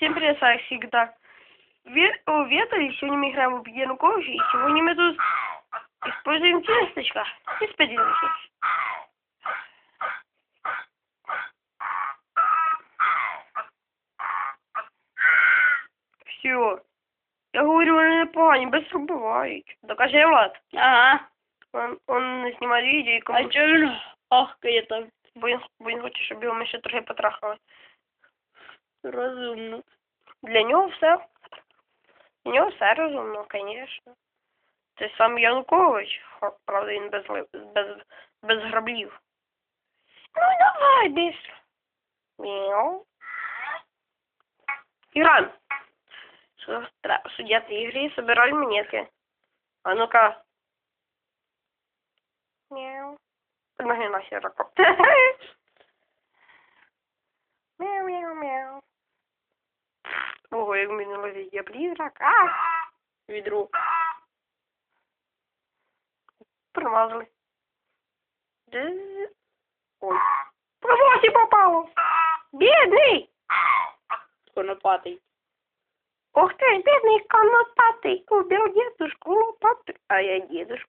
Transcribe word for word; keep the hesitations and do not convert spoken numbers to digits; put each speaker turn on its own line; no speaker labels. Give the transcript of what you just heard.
Всем привет, как всегда. Ве о, Вета, сегодня мы играем в Януковича, и сегодня мы тут используем тесточка. И споделимся. Все. Я говорю, вони непогані, без бувають. Докажи, Влад.
Ага.
Он, он знімає відео і
А
кому...
чого він ахкає там?
Бо він, бо він хоче, щоб його ми ще трохи потрахали.
Розумно.
Для нього все. Для нього все розумно, звісно. Це сам Янукович. Хо, правда, він без, ли- без, без граблів. Ну давай, быстро. Мяу. Играем. Судья игры, собирай монетки. А ну-ка. Мяу. Ноги нахер. Мяу, мяу, мяу. Ого, як мені ловить я призрак. А! Відро. Промазали. Ой. Провоси попало. Бедный.
Конопатий.
Ух ты, бедный конопатый. Убил дедушку лопатой. А я дедушку.